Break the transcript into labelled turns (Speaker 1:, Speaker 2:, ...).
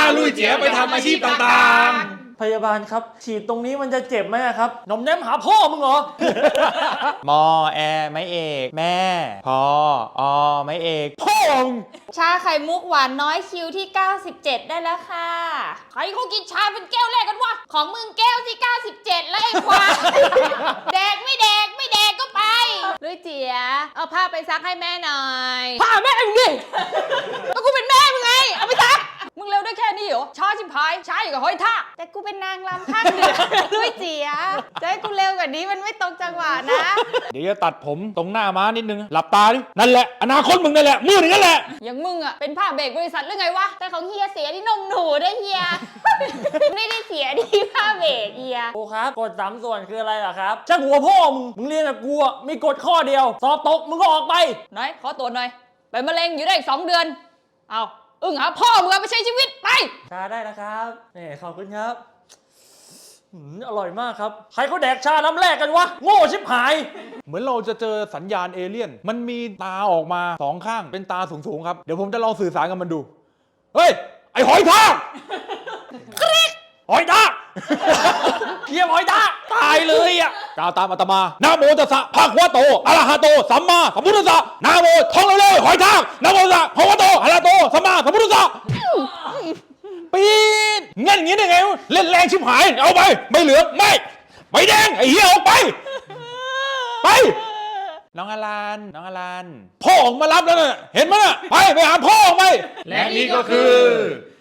Speaker 1: ลุยเจี๋ยไปทำอาชีพต่าง
Speaker 2: พยาบาลครับฉีดตรงนี้มันจะเจ็บไหมครับหนมแนมหาพ่อมึงเหรอ
Speaker 3: มอแอไม่เอกแม่พออไม่เอกพ่อมึง
Speaker 4: ชาไข่มุกหวานน้อยคิวที่ 97 ได้แล้วค่ะ ใครเขากินชาเป็นแก้วแรกกันวะ ของมึงแก้วที่ 97 แล้วไอ้ควาย แดกไม่แดกไม่แดกก็ไปลุยเจี๋ยเอาผ้าไปซักให้แม่หน่อยผ้าแม่มึงดิก็กูเป็นแม่มึงไงเอาไปซักมึงเร็วได้แค่นี้เหรอช้าชิบหายช้าอยู่กับห้อยท่าแต่กูเป็นนางรำภาคเหนือลุยเจี๋ยจะให้กูเร็วกว่านี้มันไม่ตรงจังหวะนะ
Speaker 1: เดี๋ยวจะตัดผมตรงหน้าม้านิดนึงหลับตาดินั่นแหละอนาคตมึงนั่นแหละมือนั่นแหละ
Speaker 4: อย่างมึงอ่ะเป็นผ้าเบรกบริษัทหรือไงวะแต่ของเฮียเสียที่นมหนูได้เฮีย ไม่ได้เสียที่ผ้าเบรกเฮีย
Speaker 2: ครูครับกฎ3 ส่วนคืออะไรล่ะครับช่างหัวพ่อมึงเรียนกับกูอ่ะมีกฎข้อเดียวสอบตกมึงก็ออกไป
Speaker 4: น้อยขอตัวหน่อยเป็นมะเร็งอยู่ได้อีก2 เดือนเอาอึ้งหาพ่อมึงไปใช้ชีวิตไป
Speaker 2: ชาได้นะครับนี่ขอบคุณครับอร่อยมากครับใครเขาแดกชาน้ำแรกกันวะโง่ชิบหาย
Speaker 1: เหมือนเราจะเจอสัญญาณเอเลี่ยนมันมีตาออกมา2 ข้างเป็นตาสูงๆครับเดี๋ยวผมจะลองสื่อสารกับมันดูเฮ้ยไอ้หอยทากหอยทาก
Speaker 2: เยี่ยมหอยตา
Speaker 1: ตายเลยอ่ะกล่าวตามอาตมานะโมตัสสะภะคะวะโตอะระหะโตสัมมาสัมพุทธัสสะนะโมท่องเร็วๆหอยทากนะโมตัสสะภะคะวะโตอะระหะโตสัมมาสัมพุทธัสสะปี๊ดงั้นอย่างนี้ได้ไงวะเล่นแรงชิบหายเอาไปไม่เหลืองไม่ใบแดงไอ้เหี้ยออกไปไปน้องอลันพ่อออกมารับแล้วน่ะเห็นไหมน่ะไปหาพ่อออกไป
Speaker 5: และนี่ก็คือ